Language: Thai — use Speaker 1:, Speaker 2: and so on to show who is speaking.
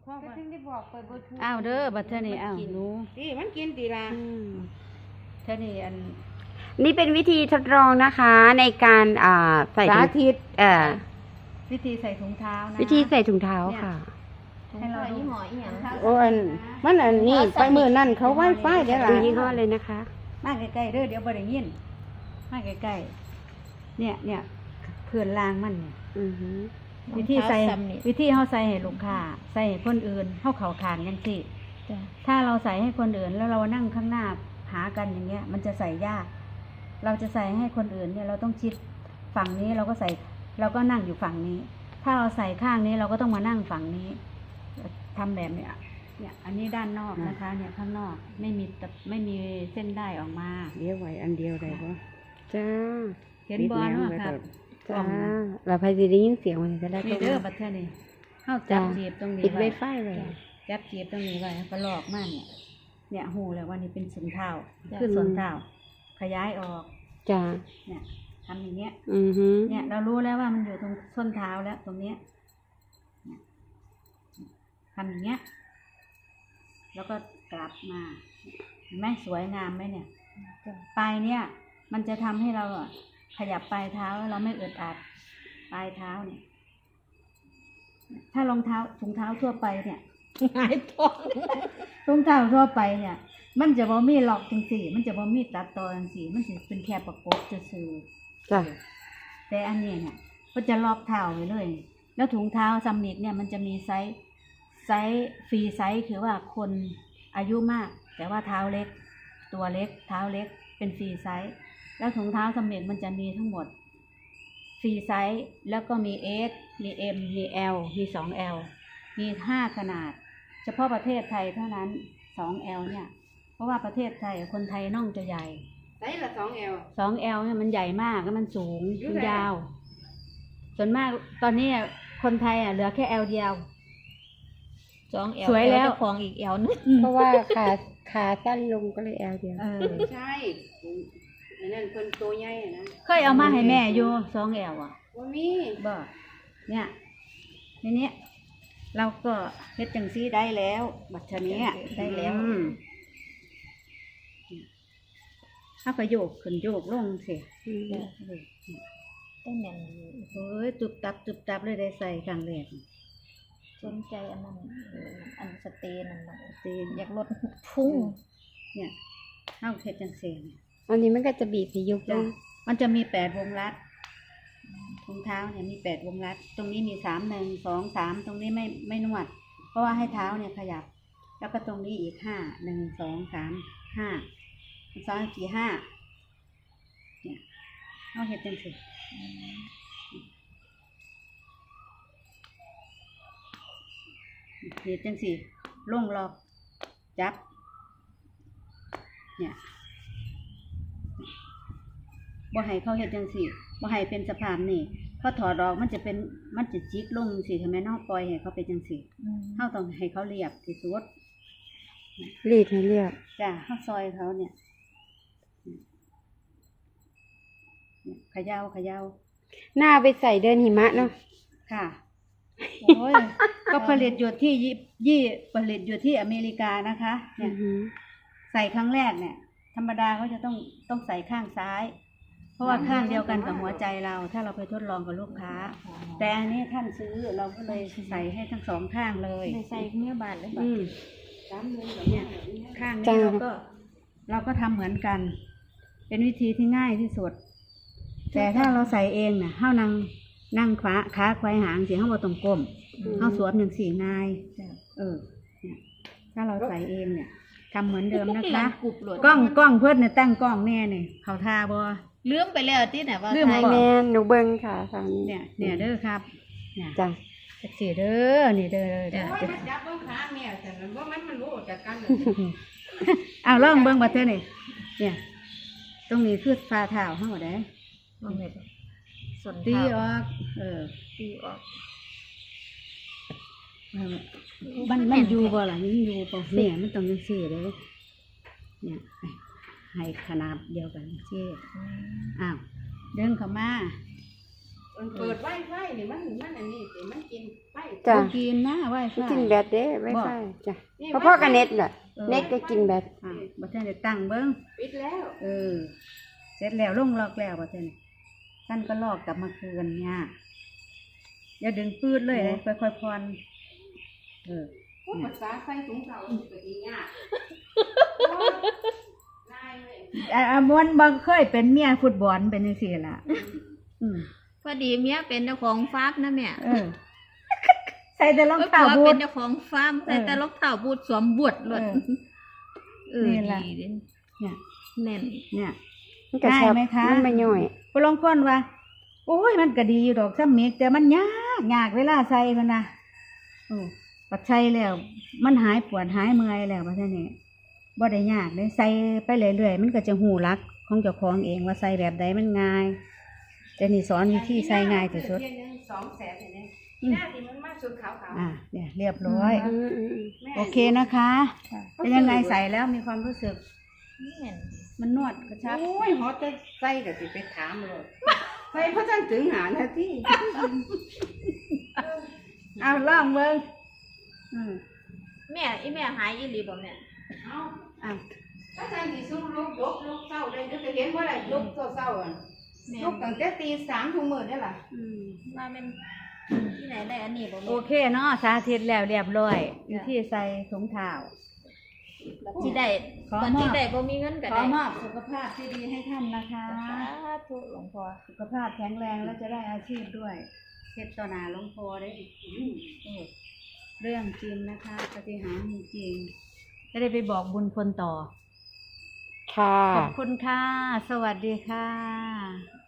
Speaker 1: พ่อ
Speaker 2: ก็
Speaker 1: ว่า
Speaker 2: ถึงได้บอกไปบ่ถูก
Speaker 3: อ้าวเด้อบัดเท่านี้อ้าวหนู
Speaker 1: นี่มันกินตีละ
Speaker 3: เท่านี้อัน
Speaker 4: นี่เป็นวิธีทดลองนะคะในการใส่
Speaker 1: สา
Speaker 4: ถุง
Speaker 1: ธิต
Speaker 3: วิธีใส่ถุงเท้านะ
Speaker 4: วิธีใส่ถุงเท้าค่ะ
Speaker 3: ให้เราดู
Speaker 2: หมออีหยัง
Speaker 1: โอ้อันมันอันนี้ไปมือนั่นเขาไว้ไฟเดี๋ยวล่ะ
Speaker 4: ดูยี่ห้อเลยนะคะ
Speaker 3: มาใกล้ๆเด้อเดี๋ยวบ่ได้ยินมาใกล้ๆเนี่ยเพื่อนลางมันเนี่ย
Speaker 4: อือหือ
Speaker 3: วิธีใส่วิธีเฮาใส่ให้ลูกค้าใส่ให้คนอื่นเฮาเข้าคานจังซี่ถ้าเราใส่ให้คนอื่นแล้วเรานั่งข้างหน้าหากันอย่างเงี้ย มันจะใส่ยาก เราจะใส่ให้คนอื่นเนี่ยเราต้องชิดฝั่งนี้เราก็ใส่เราก็นั่งอยู่ฝั่งนี้ ถ้าเราใส่ข้างนี้เราก็ต้องมานั่งฝั่งนี้ทำแบบเนี้ยเนี่ยอันนี้ด้านนอกนะคะ เนี่ยข้างนอกไม่มีเส้นได้ออกมา
Speaker 1: เดี๋ยวไว้อันเดียวได้ปะ
Speaker 4: จ้า
Speaker 3: เห็นบอลเนาะครับ
Speaker 4: จ้าเราพายจะได้ยินเสียงมันจะได้
Speaker 3: นี่เด้อบัดเทอนี่เข้าจับจีบตรงนี้
Speaker 4: ปิดไว
Speaker 3: ไว้
Speaker 4: ไฟเลย
Speaker 3: จับจีบตรงนี้ไว้ก็ลอกมาเนี่ยหูเลยว่านี่เป็นส่วนเท้าคือส่วนเท้าขยายออก
Speaker 4: จ้า
Speaker 3: เนี่ยทำอย่างเงี้ย
Speaker 4: อือหือ
Speaker 3: เนี่ยเรารู้แล้วว่ามันอยู่ตรงส้นเท้าแล้วตรงเนี้ยเนี่ยทำอย่างเงี้ย แล้วก็กลับมาเห็นไหมสวยงามไหมเนี่ยปลายเนี่ย มันจะทำให้เราอะขยับปลายเท้าแล้วเราไม่อึดอัดปลายเท้าเนี่ย ถ้ารองเท้าถุงเท้าทั่วไปเนี่ยหายท้องถุงเท้าทั่วไปเนี่ย มันจะบ่มีล็อกจังสี่ มันจะบ่มีตัดต่อจังสี่ มันจะเป็นแค่ประกบซื่อ
Speaker 4: จ้า
Speaker 3: แต่อันนี้เนี่ยก็จะล็อกเท้าไว้เลย แล้วถุงเท้าซัมมิกเนี่ยมันจะมีไซส์ฟรีไซส์คือว่าคนอายุมาก แต่ว่าเท้าเล็ก ตัวเล็ก เท้าเล็กเป็นฟรีไซส์แล้วถุงเท้าซัมมิกมันจะมีทั้งหมดฟรีไซส์แล้วก็มี S มี M มี L มี 2L มี 5 ขนาด เฉพาะประเทศไทยเท่านั้น 2L เนี่ย เพราะว่าประเทศไทยคนไทยน่องจะใหญ่
Speaker 1: ใส่ละ2L
Speaker 3: 2L เนี่ยมันใหญ่มากแล้วมันสูง
Speaker 1: อยู่
Speaker 3: มัน
Speaker 1: ไหน
Speaker 3: ยาว ส่วนมากตอนนี้คนไทยเหลือแค่ L เดียว
Speaker 2: 2L
Speaker 3: สวยแล้ว
Speaker 2: เจ้าของอีก L นึง
Speaker 4: เพราะว่าขาสั้นลงก็เลยแอลเดียว
Speaker 1: ใช่อันนั้นเพิ่นตัวใหญ่นะ
Speaker 3: เคยเอามาให้แม่อยู่ 2L อ่ะ
Speaker 1: บ่มี
Speaker 3: บ่เนี่ยทีนี้เราก็เฮ็ดจังซี่ได้แล้ว บัดชนี้ได้แล้วถ้าก็โยกขึ้นโยกลงสิ
Speaker 2: ได้แม่น
Speaker 3: โอ้ยตุบตับเลยได้ใส่ครั้งแรก
Speaker 2: สนใจอันนั้นอันสเตนนั่นน่ะ
Speaker 3: ตีน
Speaker 2: อยากลดพุ่ง
Speaker 3: เนี่ยเฮาเฮ็ดจังซี่เนี่ย
Speaker 4: อันนี้มันก็จะบีบให้ยุบล
Speaker 3: จ้ะ
Speaker 4: ง
Speaker 3: มันจะมี8 วงรัดรองเท้าเนี่ยมี8 วงรัด ตรงนี้มี3 1 2 3ตรงนี้ไม่นวด เพราะว่าให้เท้าเนี่ยขยับ แล้วก็ตรงนี้อีก5 1 2 3 5 2 4 5เนี่ยเอาเฮ็ดจังซี่เฮ็ดจังซี่ลงล็อกจับ เนี่ยบ่ให้เขาเฮ็ดจังซี่บ่ให้เป็นสภาพนี่พอถอดออกมันจะจิกลงสิทำไมเนาะปล่อยให้เขาเป็นจังซี่เฮาต้องให้เขาเรียบที่สุด
Speaker 4: รีดให้เรียบ
Speaker 3: จ้ะเฮาซอยเขาเนี่ยเขย่า
Speaker 4: หน้าไปใส่เดินหิมะเนาะ
Speaker 3: ค่ะโอ้ยก็ผลิตอยู่ที่ผลิตอยู่ที่อเมริกานะคะเนี่ยใส่ครั้งแรกเนี่ย ธรรมดาเขาจะต้องใส่ข้างซ้าย เพราะว่าข้างเดียวกันกับหัวใจเรา ถ้าเราไปทดลองกับลูกค้า แต่อันนี้ท่านซื้อเราก็เลยใส่ให้ทั้งสองข้างเลย
Speaker 2: ได้ใส่เนื้อบาดเลยบาด
Speaker 3: เนี่ยข้างนี้เราก็ทำเหมือนกัน เป็นวิธีที่ง่ายที่สุด แต่ถ้าเราใส่เองเนี่ยเฮานั่งขาควายหางเสียเฮาบ่ต้องก้มเฮาสวมอย่างสี่นายเนี่ยถ้าเราใส่เองเนี่ยทำเหมือนเดิมนะคะ
Speaker 2: กรุบหลด
Speaker 3: กล้องเพิ่นเนี่ยตั้งกล้องแน่เนี่ยเขาท่าบ่
Speaker 2: ลืมไปแล้วที่ไหนว่า
Speaker 3: ลืม
Speaker 4: ไอแมนหนูเบิ้งค่ะทางนี้
Speaker 3: เนี่ยเด้อครับเนี่ย
Speaker 4: จ้ะ
Speaker 3: จักสีเด้อนี่เด้อ
Speaker 1: โอ้ยมันจับเบิ่งขาแม่แต่มันบ่มันรู้จักกันเลย
Speaker 3: เอาลองเบิ่งบัดเทื่อนี่เนี่ย ตรงนี้คือฝ่าเท้าเฮาได้
Speaker 2: มันเม็ดส่วน
Speaker 3: ตี
Speaker 2: เท้า
Speaker 3: ออก
Speaker 2: ตีออก
Speaker 3: มันอยู่บ่ล่ะมันอยู่บ่เนี่ยมันต้องจังซี่เด้เนี่ยให้ขนาดเดียวกันซี่อ้าวเดินเข้ามา
Speaker 1: เปิดไวไฟนี่มันอันนี้สิมันกินไฟ
Speaker 4: จ้ะ
Speaker 3: บ่กินนะไว้
Speaker 4: มันกินแบตเด้ไวไฟจ้ะ
Speaker 1: นี่
Speaker 4: พอๆกับเน็ตน่ะเน็ตก็กินแบต
Speaker 3: บ่ทันได้ตั้งเบิ่ง
Speaker 1: ปิดแล้ว
Speaker 3: เสร็จแล้วลงล็อกแล้วบ่ทันท่านก็ลอกกลับมาคืนเนี่ยอย่าดึงปืดเลยนะค่อยๆผ่อน
Speaker 1: พูดภาษาไฟสูงเก่าก็ดียากนายเลย
Speaker 3: มวนบ่เคยเป็นเมียฟุตบอลเป็นจังซี่ล่ะ
Speaker 2: พอดีเมียเป็นเจ้าของฟาร์มนะแม่
Speaker 3: ใส่แต่รองเท้า
Speaker 2: ผัว
Speaker 3: บู
Speaker 2: เป็
Speaker 3: ท
Speaker 2: นเจ้าของฟาร์มใส่แต่รองเท้าบูทสวมบวชเลยนี่แหละ
Speaker 3: เนี่ย
Speaker 2: แน่น
Speaker 3: เนี่ย
Speaker 4: มันก็แซ่บ
Speaker 3: ได้ไหมคะ
Speaker 4: มันไม่ย่อย
Speaker 3: ผู้ลางคนว่าโอ้ยมันก็ดีอยู่ดอกซ้ำเมกแต่มันยากเวลาใส่มันนะปัดใส่แล้วมันหายปวดหายเมื่อยแล้วว่าท่านนี่บ่ได้ยากเลยใส่ไปเรื่อยๆมันก็จะหูรักของเจ้าของเองว่าใส่แบบใดมันง่ายแต่นี่สอนวิธีใส่ง่ายที่สุด
Speaker 1: 200,000เนี่ยหน้าที่มันมาสุดขาวๆ
Speaker 3: เนี่ยเรียบร้อย
Speaker 1: แม่
Speaker 3: โอเคนะคะเป็นยังไงใส่แล้วมีความรู้สึก
Speaker 2: แน่น
Speaker 3: มันนวดกระชับ
Speaker 1: โอ้ยฮอตจะใส่ก็สิไปถามเลยใส่เพราะจังถึงหานาที
Speaker 3: เอาลองเบิ่ง
Speaker 2: แม่อีแม่หายอีหลีบ่แม่
Speaker 1: เอาถ้าจังสิสู้ลูกเศร้าได้จะเห็นว่าอะไรลูกเศร้าอ่ะ
Speaker 2: แม่
Speaker 1: ลูกตั้งแต่ตี 3 ทุกมื้อได้ล่ะ
Speaker 2: ว่าเป็นที่ไหนได้อันนี้บ่
Speaker 3: โอ
Speaker 2: แม่
Speaker 3: เคเนาะสาธิตแล้วเรียบร้อยวิธีใส่ถุงเท้า
Speaker 2: ที่ได้
Speaker 3: ขอ
Speaker 2: ตอน
Speaker 3: มอบ
Speaker 2: ที่ได้บ่มีเงินก็
Speaker 3: ขอ
Speaker 2: ได้
Speaker 3: มอบสุขภาพที่ดีให้ท่านนะคะ
Speaker 2: สาธุหลวงพ่อ
Speaker 3: สุขภาพแข็งแรงแล้วจะได้อาชีพด้วยเฮ็ดต่อหน้าหลวงพ่อได้เรื่องจริงนะคะปาฏิหาริย์จริงจะได้ไปบอกบุญคนต่อ
Speaker 4: ค่ะ
Speaker 3: ขอบคุณค่ะ สวัสดีค่ะ